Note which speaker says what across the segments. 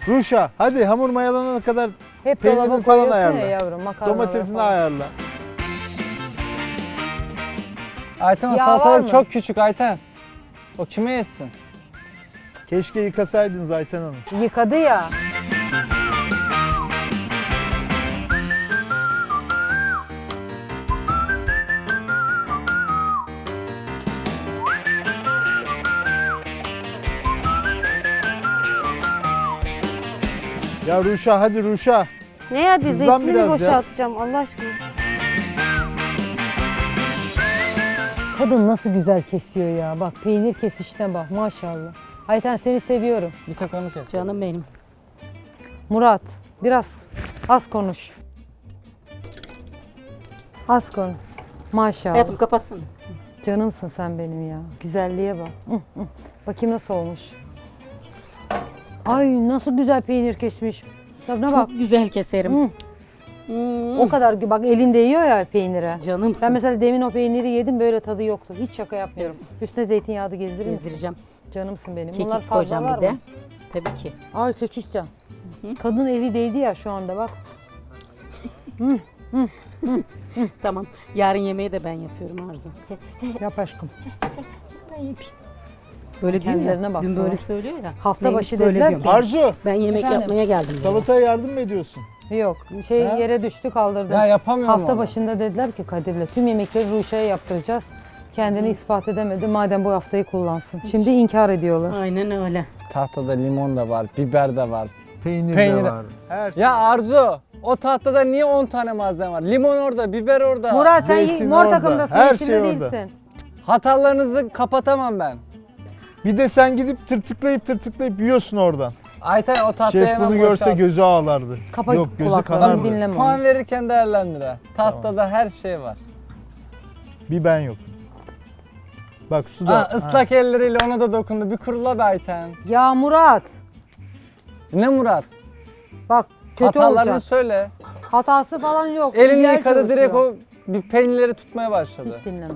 Speaker 1: Ruşa hadi hamur mayalanana kadar
Speaker 2: Hep
Speaker 1: peynirini
Speaker 2: dolaba
Speaker 1: falan
Speaker 2: koyuyorsun
Speaker 1: ayarla.
Speaker 2: ya yavrum, makarnaları
Speaker 1: Domatesini
Speaker 2: falan.
Speaker 1: ayarla.
Speaker 3: Ayten o
Speaker 2: Yağ var
Speaker 3: salatalık
Speaker 2: mı?
Speaker 3: çok küçük Ayten. O kime yesin?
Speaker 1: Keşke yıkasaydınız Ayten Hanım.
Speaker 2: Yıkadı ya.
Speaker 1: Ya Ruşa hadi Ruşa.
Speaker 4: Ne hadi
Speaker 1: Hızlan
Speaker 4: zeytini mi
Speaker 1: biraz ya.
Speaker 4: boşaltacağım Allah aşkına?
Speaker 2: Kadın nasıl güzel kesiyor ya. Bak peynir kesişine bak maşallah. Ayten seni seviyorum.
Speaker 3: Bir tek onu kes.
Speaker 4: Canım benim.
Speaker 2: Murat biraz az konuş. Az konuş. Maşallah.
Speaker 4: Hayatım kapatsın.
Speaker 2: Canımsın sen benim ya. Güzelliğe bak. Bakayım nasıl olmuş. Ay nasıl güzel peynir kesmiş. Tadına bak.
Speaker 4: Çok güzel keserim.
Speaker 2: Hı. O kadar bak elinde yiyor ya peynire.
Speaker 4: Canımsın.
Speaker 2: Ben mesela demin o peyniri yedim böyle tadı yoktu. Hiç şaka yapmıyorum. Üstüne zeytinyağı da gezdirir misin?
Speaker 4: gezdireceğim.
Speaker 2: Canımsın benim. Bunlar
Speaker 4: Kekik
Speaker 2: fazla
Speaker 4: koyacağım
Speaker 2: var
Speaker 4: bir de.
Speaker 2: mı?
Speaker 4: Tabii ki.
Speaker 2: Ay seçişten. Kadın eli değdi ya şu anda bak.
Speaker 4: Tamam. Yarın yemeği de ben yapıyorum Arzu.
Speaker 2: Yap aşkım.
Speaker 4: Böyle diyor ya.
Speaker 2: Kendilerine bak
Speaker 4: Dün
Speaker 2: sana.
Speaker 4: böyle söylüyor ya.
Speaker 2: Hafta
Speaker 4: Neymiş
Speaker 2: başı
Speaker 4: böyle
Speaker 2: dediler
Speaker 4: diyormuş.
Speaker 2: ki-
Speaker 1: Arzu
Speaker 4: Ben yemek
Speaker 2: Efendim?
Speaker 4: yapmaya geldim. dedi.
Speaker 1: salataya yardım mı ediyorsun?
Speaker 2: Yok şey
Speaker 1: Ha?
Speaker 2: yere düştü kaldırdım.
Speaker 3: Ya yapamıyorum
Speaker 2: Hafta
Speaker 3: onu.
Speaker 2: başında dediler ki Kadir'le tüm yemekleri Ruşa'ya yaptıracağız. Kendini ispat edemedi madem bu haftayı kullansın. Şimdi inkar ediyorlar.
Speaker 4: Aynen öyle.
Speaker 3: Tahtada limon da var, biber de var.
Speaker 1: Peynir,
Speaker 3: Peynir.
Speaker 1: de var. Her şey.
Speaker 3: Ya Arzu, o tahtada niye 10 tane malzeme var? Limon orada, biber orada.
Speaker 2: Murat sen
Speaker 1: Zeytin
Speaker 2: mor
Speaker 1: orada,
Speaker 2: takımdasın,
Speaker 1: her
Speaker 2: yeşilde
Speaker 1: şey orada.
Speaker 2: değilsin.
Speaker 3: Hatalarınızı kapatamam ben.
Speaker 1: Bir de sen gidip tırtıklayıp yiyorsun oradan.
Speaker 3: Ayten o tahtayı
Speaker 1: Şef
Speaker 3: hemen
Speaker 1: bunu görse
Speaker 3: boşalt.
Speaker 1: gözü ağlardı.
Speaker 2: Kapa
Speaker 1: Yok gözü
Speaker 2: kulaklarını
Speaker 1: kanardı.
Speaker 2: dinleme
Speaker 3: Puan
Speaker 2: onu.
Speaker 3: verirken değerlendir ha. Tahtada her şey var.
Speaker 1: Bir ben yok. Bak su da.
Speaker 3: Ha, ıslak elleriyle ona da dokundu. Bir kurula be Ayten.
Speaker 2: Ya Murat
Speaker 3: Ne Murat?
Speaker 2: bak kötü
Speaker 3: Hatalarını
Speaker 2: olacak.
Speaker 3: söyle.
Speaker 2: Hatası falan yok.
Speaker 3: Elini
Speaker 2: Yer
Speaker 3: yıkadı direkt
Speaker 2: çalışıyor.
Speaker 3: o bir peynirleri tutmaya başladı.
Speaker 2: Hiç dinleme.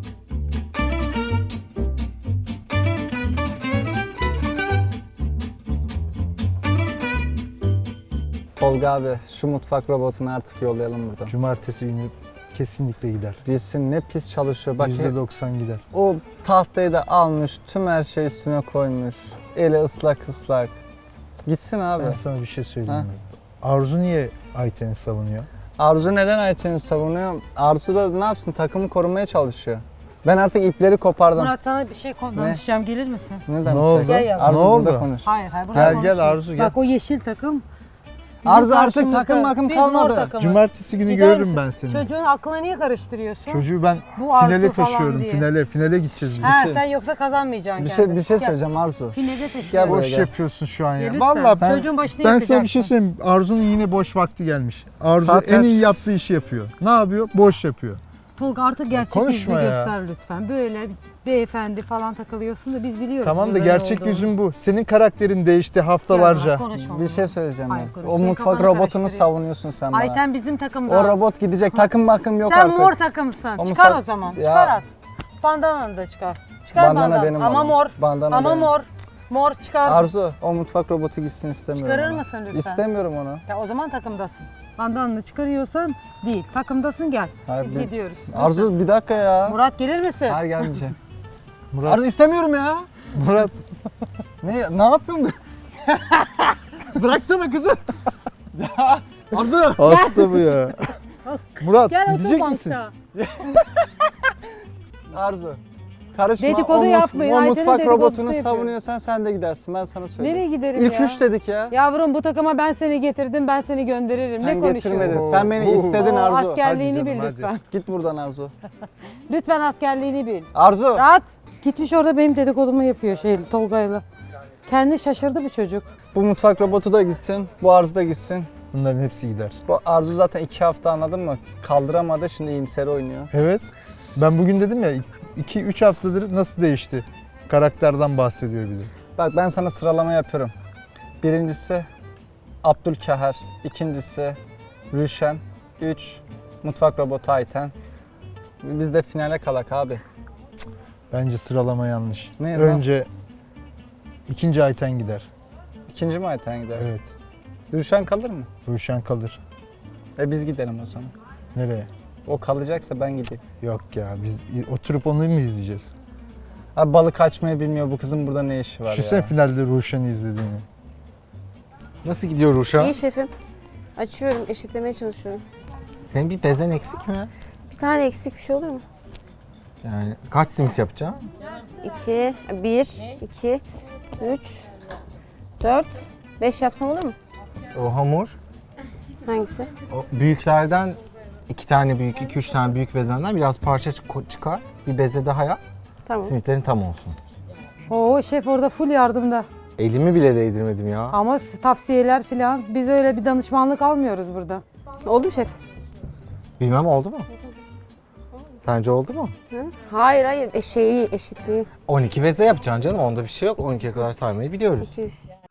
Speaker 3: Tolga abi şu mutfak robotunu artık yollayalım buradan.
Speaker 1: Cumartesi günü kesinlikle gider.
Speaker 3: Bilsin ne pis çalışıyor. Bak
Speaker 1: %90 gider.
Speaker 3: o tahtayı da almış, tüm her şeyi üstüne koymuş. Eli ıslak ıslak. Gitsin abi.
Speaker 1: Ben sana bir şey söyleyeyim mi? Arzu niye Ayten'i savunuyor?
Speaker 3: Arzu neden Ayten'i savunuyor? Arzu da ne yapsın? Takımı korumaya çalışıyor. Ben artık ipleri kopardım.
Speaker 2: Murat sana bir şey konuşacağım gelir misin?
Speaker 3: Neden
Speaker 1: Ne
Speaker 3: bir şey?
Speaker 1: oldu?
Speaker 2: Gel yavrum.
Speaker 3: Arzu
Speaker 1: Ne
Speaker 3: burada
Speaker 1: oldu?
Speaker 3: konuş.
Speaker 2: Hayır burada
Speaker 1: Gel
Speaker 2: konuşma.
Speaker 1: Arzu gel.
Speaker 2: Bak o yeşil takım. bizim
Speaker 3: Arzu artık
Speaker 2: karşımızda.
Speaker 3: takım makım
Speaker 2: Biz mor
Speaker 3: kalmadı.
Speaker 2: takımız.
Speaker 1: Cumartesi günü
Speaker 2: Gider
Speaker 1: görürüm
Speaker 2: misin?
Speaker 1: ben seni.
Speaker 2: Çocuğun aklına niye karıştırıyorsun?
Speaker 1: Çocuğu ben
Speaker 2: Bu Arzu
Speaker 1: finale
Speaker 2: falan
Speaker 1: taşıyorum.
Speaker 2: diye.
Speaker 1: Finale gideceğiz biz.
Speaker 2: Ha
Speaker 3: şey-
Speaker 2: sen yoksa kazanmayacaksın
Speaker 3: Bir
Speaker 2: kendin.
Speaker 3: şey bir şey
Speaker 2: Gel.
Speaker 3: söyleyeceğim Arzu.
Speaker 2: Finale taşı.
Speaker 3: Gel buraya
Speaker 1: Boş
Speaker 3: gel.
Speaker 1: yapıyorsun şu an ya.
Speaker 2: Lütfen.
Speaker 1: Vallahi
Speaker 3: Sen-
Speaker 2: Çocuğun başını
Speaker 1: ben
Speaker 2: yakacaksın.
Speaker 1: sana bir şey söyleyeyim. Arzu'nun yine boş vakti gelmiş. Arzu
Speaker 3: Saat
Speaker 1: en
Speaker 3: kaç?
Speaker 1: iyi yaptığı işi yapıyor. Ne yapıyor? Boş yapıyor.
Speaker 2: Tolga artık gerçek
Speaker 1: konuşma
Speaker 2: yüzünü
Speaker 1: ya.
Speaker 2: göster lütfen. Böyle beyefendi falan takılıyorsun da biz biliyoruz.
Speaker 1: Tamam da
Speaker 2: böyle
Speaker 1: gerçek
Speaker 2: olduğunu.
Speaker 1: yüzün bu. Senin karakterin değişti
Speaker 2: Gel
Speaker 1: haftalarca.
Speaker 2: Murat, konuşma
Speaker 3: Bir şey
Speaker 2: bunu.
Speaker 3: söyleyeceğim
Speaker 2: Hayır,
Speaker 3: ben.
Speaker 2: konuş.
Speaker 3: O
Speaker 2: Senin
Speaker 3: mutfak
Speaker 2: kafanı
Speaker 3: robotunu
Speaker 2: karıştırıyor.
Speaker 3: savunuyorsun sen bana.
Speaker 2: Ayten bizim takımda.
Speaker 3: O robot gidecek. Takım bakım yok
Speaker 2: Sen
Speaker 3: artık.
Speaker 2: mor takımsın.
Speaker 3: O
Speaker 2: Çıkar
Speaker 3: mutfak-
Speaker 2: o zaman.
Speaker 3: Ya.
Speaker 2: Çıkar at. Bandananı da çıkar. Çıkar
Speaker 3: Bandana
Speaker 2: bandana.
Speaker 3: benim
Speaker 2: Ama
Speaker 3: oğlum.
Speaker 2: mor.
Speaker 3: Bandana
Speaker 2: Ama
Speaker 3: benim.
Speaker 2: mor. Mor çıkar.
Speaker 3: Arzu o mutfak robotu gitsin istemiyorum.
Speaker 2: Çıkarır
Speaker 3: onu.
Speaker 2: mısın lütfen?
Speaker 3: İstemiyorum onu.
Speaker 2: Ya o zaman takımdasın. Bandananı çıkarıyorsan değil. Takımdasın gel.
Speaker 3: Hayır,
Speaker 2: Biz
Speaker 3: ben-
Speaker 2: gidiyoruz.
Speaker 3: Arzu bir dakika ya.
Speaker 2: Murat gelir misin?
Speaker 3: Hayır gelmeyeceğim.
Speaker 1: Murat,
Speaker 3: Arzu istemiyorum ya.
Speaker 1: Murat
Speaker 3: Ne yapıyorsun? Bıraksana kızı. Ya Arzu.
Speaker 1: hasta bu ya. Murat
Speaker 2: Gel otur
Speaker 1: gidecek misin?
Speaker 2: bankta.
Speaker 3: Arzu. Karışma.
Speaker 2: Dedikodu yapmayın,
Speaker 3: O
Speaker 2: Ayten'in
Speaker 3: mutfak
Speaker 2: dedikodusunu
Speaker 3: robotunu
Speaker 2: yapıyor.
Speaker 3: savunuyorsan sen de gidersin. Ben sana söyleyeyim.
Speaker 2: Nereye giderim
Speaker 3: İlk
Speaker 2: ya?
Speaker 3: 3 dedik ya.
Speaker 2: Yavrum bu takıma ben seni getirdim, ben seni gönderirim.
Speaker 3: Sen
Speaker 2: ne konuşuyorsun?
Speaker 3: getirmedin. Sen beni
Speaker 1: Oo.
Speaker 3: istedin
Speaker 2: Oo,
Speaker 3: Arzu.
Speaker 2: askerliğini
Speaker 1: Hadi canım,
Speaker 2: bil
Speaker 1: hadi.
Speaker 2: lütfen.
Speaker 3: Git buradan Arzu.
Speaker 2: Lütfen askerliğini bil.
Speaker 3: Arzu.
Speaker 2: Rahat. Gitmiş orada benim dedikodumu yapıyor Tolga'yla. Kendi şaşırdı bu çocuk.
Speaker 3: Bu mutfak robotu da gitsin. Bu Arzu da gitsin.
Speaker 1: Bunların hepsi gider.
Speaker 3: Bu Arzu zaten 2 hafta anladın mı? Kaldıramadı şimdi iyimser oynuyor.
Speaker 1: Evet. Ben bugün dedim ya 2-3 haftadır nasıl değişti? Karakterden bahsediyor bir de.
Speaker 3: Bak ben sana sıralama yapıyorum. Birincisi Abdülkaher. İkincisi Rüşen. 3 mutfak robotu Ayten. Biz de finale kalak abi.
Speaker 1: Bence sıralama yanlış.
Speaker 3: Ne lan?
Speaker 1: Önce ikinci Ayten gider.
Speaker 3: İkinci mi Ayten gider?
Speaker 1: Evet.
Speaker 3: Ruşen kalır mı?
Speaker 1: Ruşen kalır.
Speaker 3: Biz gidelim o zaman.
Speaker 1: Nereye?
Speaker 3: O kalacaksa ben gideyim.
Speaker 1: Yok ya biz oturup onu mu izleyeceğiz?
Speaker 3: Abi balık açmayı bilmiyor. Bu kızın burada ne işi var
Speaker 1: Şu sen
Speaker 3: ya?
Speaker 1: finalde Ruşen'i izlediğini.
Speaker 5: Nasıl gidiyor Ruşa?
Speaker 6: İyi şefim. Açıyorum, eşitlemeye çalışıyorum.
Speaker 5: Senin bir bezen eksik mi?
Speaker 6: Bir tane eksik bir şey olur mu?
Speaker 5: Yani kaç simit yapacaksın?
Speaker 6: 2, 1, 2, 3, 4, 5 yapsam olur mu?
Speaker 5: O hamur,
Speaker 6: Hangisi?
Speaker 5: o büyüklerden 2 tane büyük, 2-3 tane büyük bezenden biraz parça çıkar. Bir beze daha yap.
Speaker 6: Tamam.
Speaker 5: Simitlerin tam olsun.
Speaker 2: Oo şef orada full yardımda.
Speaker 5: Elimi bile değdirmedim ya.
Speaker 2: Ama tavsiyeler filan. Biz öyle bir danışmanlık almıyoruz burada.
Speaker 6: Oldu mu şef?
Speaker 5: Bilmem oldu mu? Sence oldu mu?
Speaker 6: Hı? Hayır hayır, eşitliği.
Speaker 5: 12 beze yapacaksın canım. Onda bir şey yok. 12'ye kadar saymayı biliyoruz.
Speaker 6: 2, 3.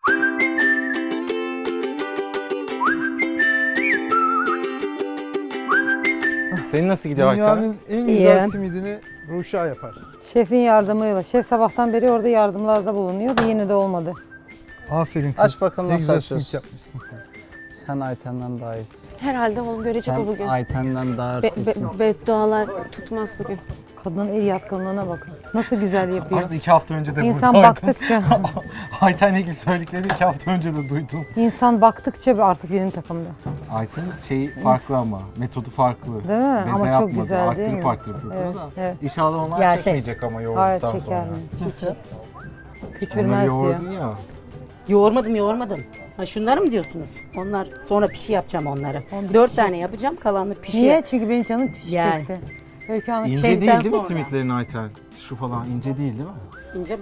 Speaker 5: Senin nasıl gidiyor Ayten?
Speaker 1: Dünyanın en
Speaker 4: İyi.
Speaker 1: güzel simidini Ruşa yapar.
Speaker 2: Şefin yardımıyla. Şef sabahtan beri orada yardımlarda bulunuyor. Yine de olmadı.
Speaker 1: Aferin kız.
Speaker 3: Aç bakalım
Speaker 1: ne
Speaker 3: nasıl
Speaker 1: güzel
Speaker 3: açıyorsun.
Speaker 1: simit yapmışsın sen.
Speaker 3: Sen Ayten'den daha iyisin.
Speaker 6: Herhalde oğlum görecek o
Speaker 3: Sen
Speaker 6: bugün.
Speaker 3: Ayten'den daha hırsızsın.
Speaker 6: Beddualar tutmaz bugün.
Speaker 2: Kadının el yatkınlığına bakın. Nasıl güzel yapıyor.
Speaker 5: Artık 2 hafta önce de
Speaker 2: İnsan
Speaker 5: buradaydım.
Speaker 2: baktıkça,
Speaker 5: Ayten'le ilgili söylediklerini 2 hafta önce de duydum.
Speaker 2: insan baktıkça artık benim takımda.
Speaker 5: Ayten'in şeyi farklı ama. Metodu farklı.
Speaker 2: Değil mi?
Speaker 5: Beze
Speaker 2: Ama çok
Speaker 5: yapmadı.
Speaker 2: güzel değil mi?
Speaker 5: Arttırıp yapıyor
Speaker 2: Evet,
Speaker 5: da.
Speaker 2: evet.
Speaker 5: İnşallah onlar
Speaker 4: Ya
Speaker 5: çekmeyecek ama
Speaker 2: Hayır
Speaker 5: yoğurduktan
Speaker 2: çeker
Speaker 5: sonra.
Speaker 2: mi?
Speaker 5: Onları
Speaker 2: Küçülmez diyor.
Speaker 5: yoğurdun ya.
Speaker 4: Yoğurmadım. Ha şunları mı diyorsunuz? Onlar sonra pişi yapacağım onları. 4 tane yapacağım, kalanını pişi.
Speaker 2: Niye? Çünkü benim canım pişecekti.
Speaker 4: Yani.
Speaker 2: Öykü Hanım.
Speaker 5: İnce
Speaker 4: Senden
Speaker 5: değil mi
Speaker 4: sonra.
Speaker 5: simitlerin Ayten? Şu falan ince değil mi?
Speaker 4: İnce mi?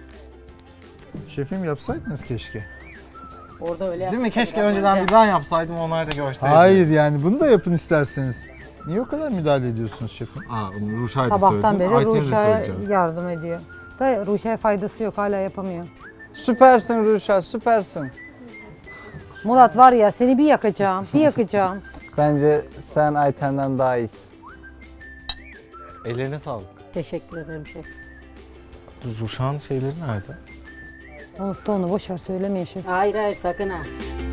Speaker 1: Şefim yapsaydınız keşke.
Speaker 4: Orada öyle
Speaker 5: Değil
Speaker 4: yaptım.
Speaker 5: mi? Keşke
Speaker 4: Biraz
Speaker 5: önceden
Speaker 4: önce.
Speaker 5: bir daha yapsaydım onlar da görseydi.
Speaker 1: Hayır yani bunu da yapın isterseniz. Niye o kadar müdahale ediyorsunuz şefim?
Speaker 5: Aa, bunu Ruşa'ya da
Speaker 2: Sabahtan
Speaker 5: söyledim.
Speaker 2: beri
Speaker 5: Ayten'e de
Speaker 2: Ruşa'ya
Speaker 5: söyleyeceğim.
Speaker 2: yardım ediyor. Da Ruşa'ya faydası yok. Hala yapamıyor.
Speaker 3: Süpersin Ruşen, süpersin.
Speaker 2: Murat var ya seni bir yakacağım. Bir yakacağım.
Speaker 3: Bence sen Ayten'den daha iyisin.
Speaker 5: Ellerine sağlık.
Speaker 4: Teşekkür ederim şef.
Speaker 5: Ruşa'nın şeyleri nerede?
Speaker 2: Unuttu onu. Boş ver söylemeyin şef.
Speaker 4: Hayır sakın ha.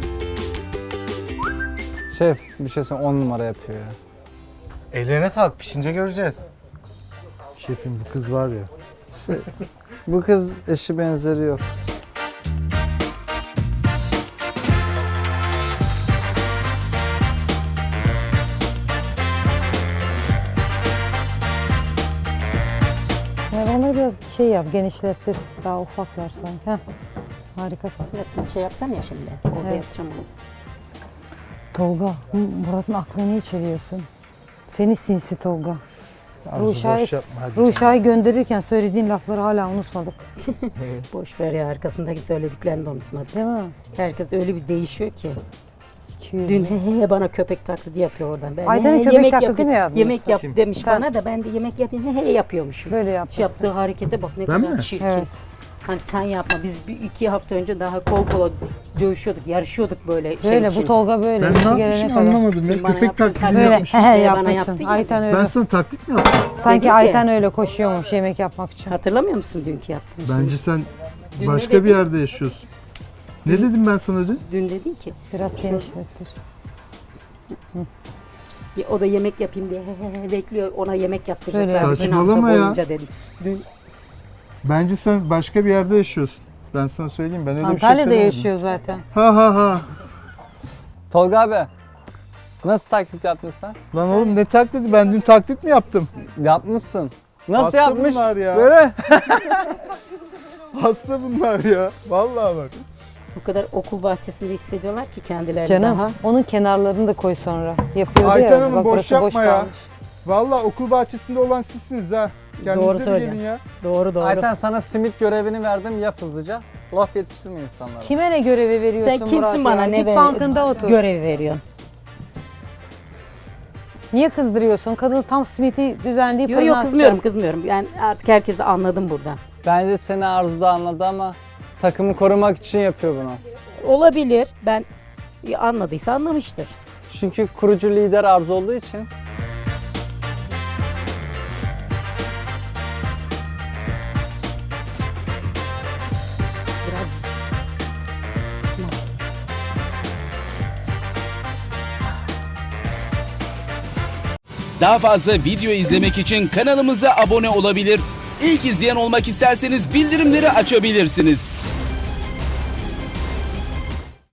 Speaker 3: Şef bir şey söyle 10 numara yapıyor ya.
Speaker 5: Ellerine sağlık. Pişince göreceğiz.
Speaker 1: Şefim bu kız var ya.
Speaker 3: Bu kız eşi benzeri yok.
Speaker 2: Yani onları biraz şey yap, genişlettir. Daha ufaklar sanki. Heh. Harikasın.
Speaker 4: Şey yapacağım ya şimdi. Orada
Speaker 2: Evet.
Speaker 4: yapacağım onu.
Speaker 2: Tolga, Murat'ın aklını içeriyorsun. Seni sinsi Tolga.
Speaker 1: Arzu
Speaker 2: Ruşa'yı
Speaker 1: boş yapma hadi.
Speaker 2: Ruşa'yı gönderirken söylediğin lafları hala unutmadık.
Speaker 4: Boş ver ya, arkasındaki söylediklerini de unutmadım.
Speaker 2: Değil mi?
Speaker 4: Herkes öyle bir değişiyor ki.
Speaker 2: 200.
Speaker 4: Dün bana köpek taklidi yapıyor oradan. Ben
Speaker 2: Ayten'e köpek
Speaker 4: yemek
Speaker 2: taklidi
Speaker 4: yapayım,
Speaker 2: mi yaptın?
Speaker 4: yemek yap
Speaker 1: Bakayım.
Speaker 4: demiş
Speaker 2: Sen-
Speaker 4: bana da ben de yemek yapayım yapıyormuşum.
Speaker 2: Böyle
Speaker 4: Şu
Speaker 2: yaptın.
Speaker 4: yaptığı harekete bak ne
Speaker 1: Ben
Speaker 4: kadar
Speaker 1: mi?
Speaker 4: çirkin.
Speaker 2: Evet.
Speaker 4: Hani sen yapma. Biz 2 hafta önce daha kol kola dövüşüyorduk, yarışıyorduk böyle şey
Speaker 2: Böyle
Speaker 4: için.
Speaker 2: bu Tolga böyle.
Speaker 1: Ben
Speaker 2: işi
Speaker 1: ne
Speaker 2: gelene
Speaker 1: yapmışım
Speaker 2: kadar.
Speaker 1: anlamadım. Ya
Speaker 4: Bana
Speaker 1: köpek
Speaker 4: yaptın,
Speaker 1: taklidi
Speaker 2: Böyle
Speaker 1: yapmış.
Speaker 2: he
Speaker 4: Bana
Speaker 2: yapmışsın.
Speaker 4: yaptın ya.
Speaker 2: Ayten öyle.
Speaker 1: Ben sana taklit mi yaptım?
Speaker 2: Sanki
Speaker 4: Dedi ki-
Speaker 2: Ayten öyle koşuyormuş yemek yapmak için.
Speaker 4: Hatırlamıyor musun dünkü yaptığın şeyi?
Speaker 1: Bence sen
Speaker 4: Dün ne
Speaker 1: başka
Speaker 4: dedin?
Speaker 1: bir yerde yaşıyorsun. Ne dedim ben sana dün?
Speaker 4: Dün dedin ki
Speaker 2: Biraz genişlettir.
Speaker 4: o da yemek yapayım diye bekliyor, ona yemek yaptıracak.
Speaker 2: Öyle
Speaker 4: Ben
Speaker 2: yaptın.
Speaker 4: bütün hafta
Speaker 1: Saçmalama ya.
Speaker 4: boyunca dedim. Dün
Speaker 1: Bence sen başka bir yerde yaşıyorsun. Ben sana söyleyeyim ben öyle bir şey
Speaker 2: Antalya'da
Speaker 1: söylemedim.
Speaker 2: yaşıyor zaten.
Speaker 1: Ha ha ha.
Speaker 3: Tolga abi nasıl taklit yaptın sen?
Speaker 1: Lan oğlum ne taklidi? Ben dün taklit mi yaptım?
Speaker 3: Yapmışsın. Nasıl
Speaker 1: Hasta
Speaker 3: yapmış?
Speaker 1: bunlar ya.
Speaker 3: Böyle.
Speaker 1: Hasta bunlar ya. Vallahi bak.
Speaker 4: bu kadar okul bahçesinde hissediyorlar ki kendilerini
Speaker 2: Canım
Speaker 4: daha.
Speaker 2: onun kenarlarını da koy sonra. Yapıyordu
Speaker 1: Ayten
Speaker 2: ya.
Speaker 1: Hanım,
Speaker 2: Bak
Speaker 1: boş
Speaker 2: burası boş
Speaker 1: yapma ya.
Speaker 2: kalmış.
Speaker 1: Vallahi okul bahçesinde olan sizsiniz ha. Kendinize
Speaker 4: Doğru
Speaker 1: bir
Speaker 4: söylüyor.
Speaker 1: gelin ya.
Speaker 4: Doğru.
Speaker 3: Ayten sana simit görevini verdim yap hızlıca. Laf yetiştirme insanlara.
Speaker 2: Kime ne görevi veriyorsun
Speaker 4: Sen kimsin
Speaker 2: Murat
Speaker 4: bana
Speaker 2: ya?
Speaker 4: ne
Speaker 2: Git bankında otur.
Speaker 4: görev veriyorsun?
Speaker 2: Niye kızdırıyorsun? Kadın tam simiti düzenleyip
Speaker 4: Yok
Speaker 2: fırına
Speaker 4: yok
Speaker 2: atacak.
Speaker 4: kızmıyorum. Yani artık herkesi anladım burada.
Speaker 3: Bence seni Arzu da anladı ama takımı korumak için yapıyor bunu.
Speaker 4: Olabilir. Ben anladıysa anlamıştır.
Speaker 3: Çünkü kurucu lider Arzu olduğu için.
Speaker 4: Biraz
Speaker 7: Daha fazla video izlemek için kanalımıza abone olabilir. İlk izleyen olmak isterseniz bildirimleri açabilirsiniz.